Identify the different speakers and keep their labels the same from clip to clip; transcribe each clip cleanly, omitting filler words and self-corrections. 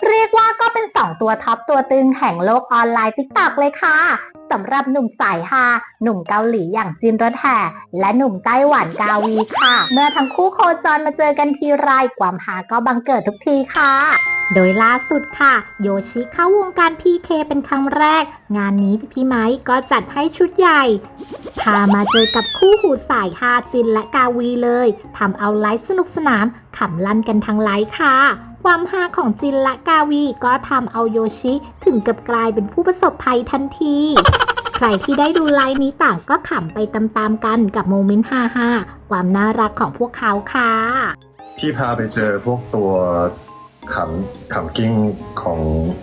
Speaker 1: เรียกว่าก็เป็น2ตัวท็อปตัวตึงแห่งโลกออนไลน์ TikTok เลยค่ะสำหรับหนุ่มสายฮาหนุ่มเกาหลีอย่างจินรถแห่และหนุ่มไต้หวันกาวีค่ะเมื่อทั้งคู่โคจรมาเจอกันทีไรความฮาก็บังเกิดทุกทีค่ะโดยล่าสุดค่ะโยชิเข้าวงการ PK เป็นครั้งแรกงานนี้พี่ไมค์ก็จัดให้ชุดใหญ่พามาเจอกับคู่หูสายฮาจินและกาวีเลยทำเอาไลฟ์สนุกสนานขำลั่นกันทั้งไลฟ์ค่ะความฮาของจินและกาวีก็ทำเอาโยชิถึงกับกลายเป็นผู้ประสบภัยทันทีใครที่ได้ดูไลฟ์นี้ต่างก็ขำไปตามๆกันกับโมเมนต์ฮาๆความน่ารักของพวกเขาค่ะ
Speaker 2: พี่พาไปเจอพวกตัวขำกิ้งของ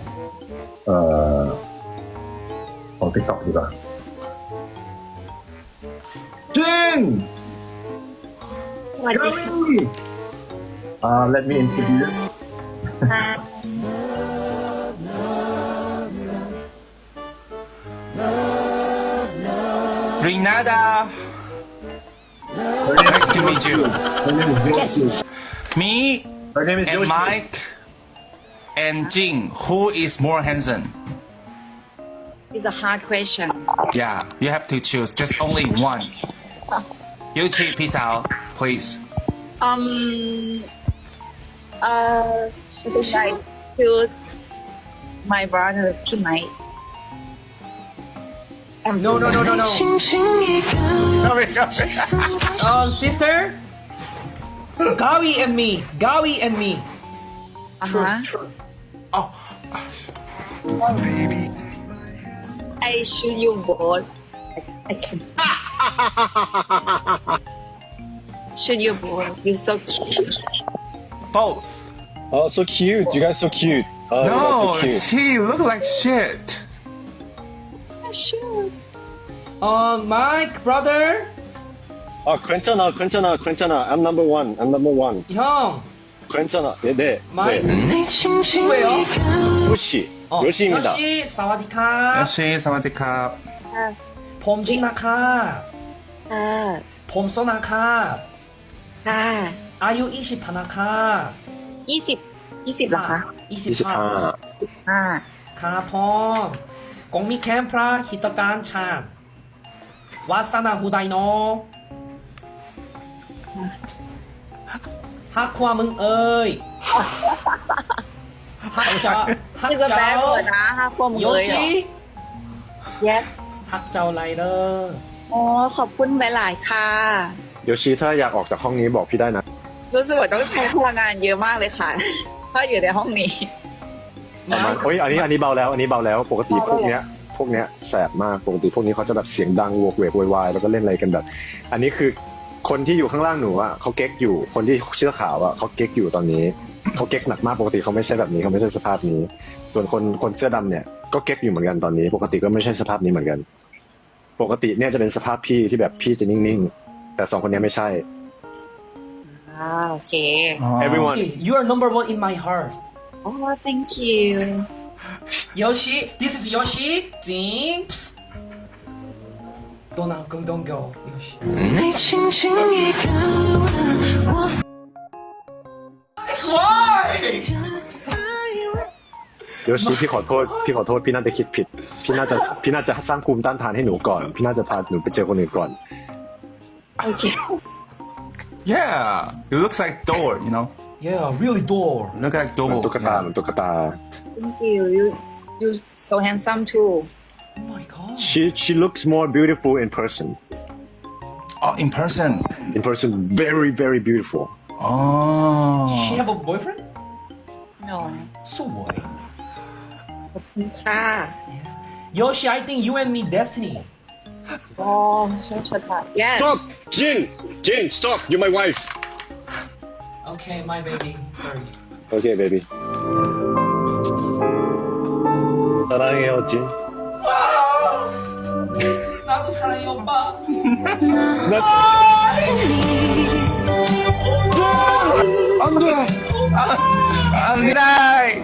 Speaker 2: ของ TikTok ดีกว่าจิน let me introduce
Speaker 3: Renata, nice to meet you.
Speaker 2: Her name is Yoshi.
Speaker 3: Me
Speaker 2: Her name is
Speaker 3: and
Speaker 2: Yoshi.
Speaker 3: Mike and Jing, who is more handsome?
Speaker 4: It's a hard question.
Speaker 3: Yeah, you have to choose just only one. Yuchi, peace out, please.
Speaker 4: Should I choose my brother, Kim Mike? I'm so
Speaker 5: No. Sister, Gawi and me.
Speaker 4: Uh-huh. I choose you both. I can choose you both. You're so cute.
Speaker 3: Both.
Speaker 2: Oh, so cute. You guys so cute. Oh,
Speaker 3: No,
Speaker 2: you guys so cute.
Speaker 3: he look like shit.
Speaker 4: Sure.
Speaker 5: Mike, brother,
Speaker 2: Oh, 괜찮아. I'm number one.
Speaker 5: 형,
Speaker 2: 괜찮아. 네.
Speaker 5: Mike.
Speaker 2: 네.
Speaker 5: 누구예요?
Speaker 2: 요시. 요시입니다.
Speaker 5: 요시, 사와디카,
Speaker 3: Yoshi, 사와디캅.
Speaker 5: 봄직나카, 봄소나카, 아유 20파나카,
Speaker 4: 20เหรอคะ
Speaker 5: 25,
Speaker 2: 25.
Speaker 5: คาพองกงมีแคมพระหิตการชาญวาสนาหูไดโนฮักความมึงเอ้ยฮักเจ้า
Speaker 4: นี่จะแบกเปิดนะห้าพวกมึง
Speaker 5: โย
Speaker 4: เลยเหรอ
Speaker 5: ชิ
Speaker 4: Yes
Speaker 5: ฮักเจ้าไรเดอร์
Speaker 4: อ๋อขอบคุณหลายๆค่ะ
Speaker 2: โยชิถ้าอยากออกจากห้องนี้บอกพี่ได้นะ
Speaker 4: รู้สึกว่าต้องใช้พลังงานเยอะมากเลยค่ะ ถ้าอยู่ในห้องนี้
Speaker 2: ประมาณเฮ้ยอันนี้เบาแล้วปกติพวกเนี้ยแสบมากปกติพวกนี้เขาจะแบบเสียงดังโวกเวกโวยวายแล้วก็เล่นอะไรกันแบบ อันนี้คือคนที่อยู่ข้างล่างหนูอ่ะเขาเก๊กอยู่คนที่เสื้อขาวอ่ะเขาเก๊กอยู่ตอนนี้เขาเก๊กหนักมากปกติเขาไม่ใช่แบบนี้เขาไม่ใช่สภาพนี้ ส่วนคนเสื้อดำเนี่ยก็เก๊กอยู่เหมือนกันตอนนี้ ปกติก็ไม่ใช่สภาพนี้เหมือนกัน ปกติเนี่ยจะเป็นสภาพพี่ที่แบบพี่จะนิ่งๆแต่สองคนนี้ไม่ใช่
Speaker 4: โอเค
Speaker 2: everyone
Speaker 5: You are number one in my heart
Speaker 4: อ๋อ thank you
Speaker 5: Yoshi this is Yoshi จิง Don't go Yoshi Why
Speaker 2: โยชิพี่ขอโทษพี่น่าจะคิดผิดพี่น่าจะสร้างภูมิต้านทานให้หนูก่อนพี่น่าจะพาหนูไปเจอคนอื่นก่อน
Speaker 4: โอเค
Speaker 3: Yeah, it looks like door, you know?
Speaker 5: Yeah really door
Speaker 3: Look like
Speaker 2: เหมือน
Speaker 3: door.
Speaker 2: ตุ๊กตา
Speaker 4: thank you you so handsome too
Speaker 5: Oh my god
Speaker 2: she looks more beautiful in person
Speaker 3: Oh, in person.
Speaker 2: very very beautiful
Speaker 5: She
Speaker 3: Oh.
Speaker 5: have a boyfriend?
Speaker 4: no
Speaker 5: So boy
Speaker 4: ขอบคุณค่ะ
Speaker 5: Yoshi I think you and me destiny
Speaker 4: อ๋อช่วยค่ะ yes
Speaker 2: stop Jin stop you're my wife
Speaker 5: Okay my baby sorry
Speaker 2: okay baby 사랑해요 진
Speaker 5: 나도 사랑해 오빠
Speaker 2: 안돼
Speaker 3: Night.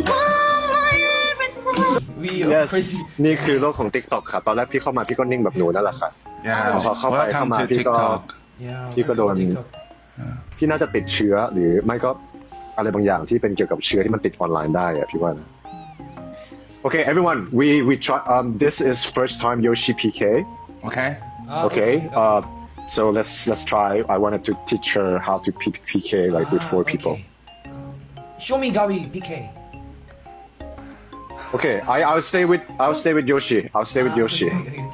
Speaker 5: We are
Speaker 2: yes
Speaker 5: crazy
Speaker 2: นี่คือโลกของ TikTok ค่ะตอนแรกพี่เข้ามาพี่ก็นิ่งแบบหนูนั่นแหละค่ะ
Speaker 3: Yeah.
Speaker 2: Welcome
Speaker 3: Welcome
Speaker 2: to
Speaker 3: to TikTok.
Speaker 5: Yeah
Speaker 2: พี่ก็โดน
Speaker 5: TikTok
Speaker 2: พี่น่าจะติดเชื้อหรือไม่ก็อะไรบางอย่างที่เป็นเกี่ยวกับเชื้อที่มันติดออนไลน์ได้อะพี่ว่านะ Okay, everyone, we try. This is first time Yoshi PK.
Speaker 3: Okay.
Speaker 2: Okay. So let's try. I wanted to teach her how to PK like with 4 people.
Speaker 5: Show me Gabi PK.
Speaker 2: Okay, I'll stay with Yoshi. I'll stay with Yoshi.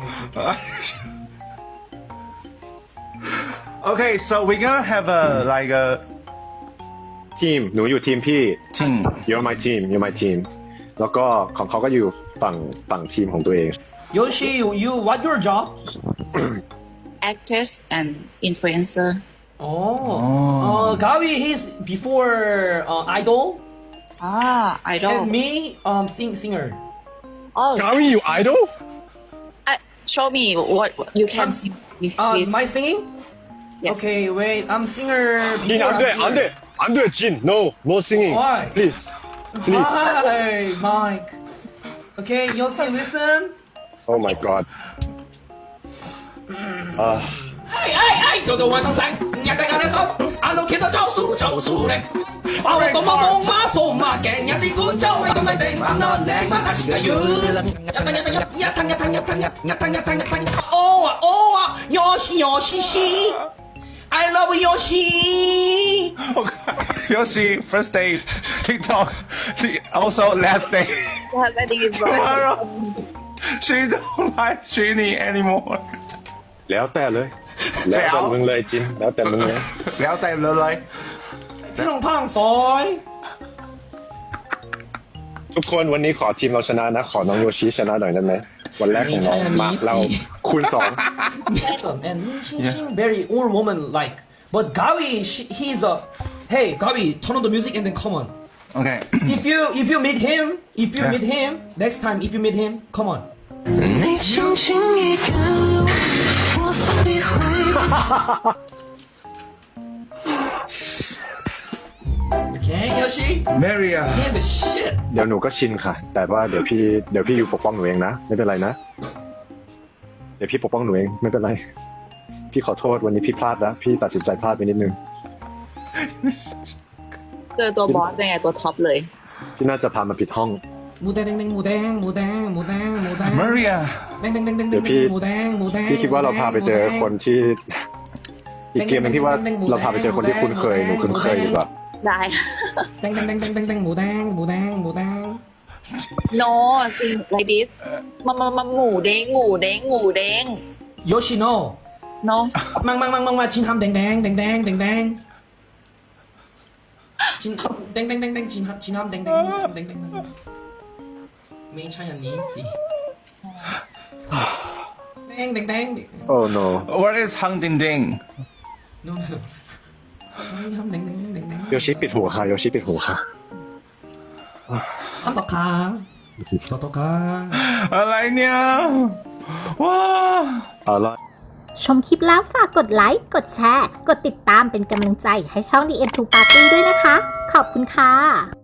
Speaker 3: Okay, so we're gonna have a like a
Speaker 2: Team หนูอยู่ทีมพี่
Speaker 3: team.
Speaker 2: You're my team. You're my team. แล้วก็ของเขาก็อยู่ฝั่งทีมของตัวเอง
Speaker 5: Yoshi, you what your job?
Speaker 4: actress and influencer
Speaker 5: Gabi, he's before idol,
Speaker 4: idol
Speaker 5: and me singer.
Speaker 4: oh
Speaker 2: กาวิอยู่ไอดอล
Speaker 4: show me what you can see please
Speaker 5: My singing?
Speaker 4: Yes.
Speaker 5: Okay, wait, I'm singer.
Speaker 2: จิน
Speaker 5: before I'm singer.
Speaker 2: I'm doing Jin. No singing.
Speaker 5: Why?
Speaker 2: Please.
Speaker 5: Hi, Mike. Okay, Yoshi, listen.
Speaker 2: Oh my God.
Speaker 5: 哎，到到晚上山，人家眼手，阿路見到招數就數力，把我當夢馬數馬鏡，也是古州你咁你定，慢慢靚慢下時間要，哦啊，Yoshi I love Yoshi.
Speaker 3: Yoshi, first day, TikTok, also last day.
Speaker 4: yeah, that is right
Speaker 3: She don't like Shinny anymore.
Speaker 2: แล้วแต่เลย แล้วแต่มึงเลยจิน แล้วแต่มึงเลย
Speaker 3: แล้วแต่เลย
Speaker 5: พี่น้องพังซอย
Speaker 2: ทุกคนวันนี้ขอทีมเราชนะนะ ขอน้องโยชิชนะหน่อยได้ไหม วันแรกของน้องมาเราคูณ
Speaker 5: and she's very old woman like. But Gabi, he's a. Hey, Gabi, turn on the music and then come on.
Speaker 3: Okay.
Speaker 5: If you meet him, next time if you meet him, come on. Okay, Yoshi,
Speaker 3: Maria.
Speaker 5: he's a shit.
Speaker 2: เดี๋ยวหนูก็ชินค่ะ แต่ว่าเดี๋ยวพี่อยู่ปกป้องหนูเองนะ ไม่เป็นไรนะ เดี๋ยวพี่ปกป้องหนูเองไม่เป็นไร พี่ขอโทษวันนี้พี่พลาดนะพี่ตัดสินใจพลาดไปนิดนึง
Speaker 4: เจอตัวบอสยังไงตัวท็อปเลย
Speaker 2: พี่น่าจะพามาผิดห้อง
Speaker 5: หมูแดงหมูแดงหมูแดงหมูแดงหมูแดง
Speaker 3: Maria.
Speaker 5: แดง
Speaker 2: เดี๋ยวพี่
Speaker 5: หมูแดงหมูแดง
Speaker 2: พี่คิดว่าเราพาไปเจอคนที่ อีกเกมหนึงที่ว่าเราพาไปเจอคนที่คุ้นเคยหนูคุ้นเคยดีกว่า
Speaker 4: ได้
Speaker 5: แดงหมูแดงหมูแดงหมูแดง
Speaker 4: no sing like this มาหมูเด้งหมูเด้งหมูเด้ง
Speaker 5: Yoshi no
Speaker 4: no
Speaker 5: มาจินทำแดงจินแดงจินทำแดงไม่ใช่อันนี้สิแดง
Speaker 2: Oh no
Speaker 3: What is Hang Ding Ding?
Speaker 5: no ทำแดง
Speaker 2: โยชิปิดหูค่ะโยชิปิดหูค่ะ
Speaker 5: ทำต่อค่ะต่อค่ะ
Speaker 3: อะไรเนี่ยว้า
Speaker 2: เอาละ
Speaker 1: ชมคลิปแล้วฝากกดไลค์ กดแชร์ กดติดตามเป็นกำลังใจให้ช่อง The End to Party ด้วยนะคะ ขอบคุณค่ะ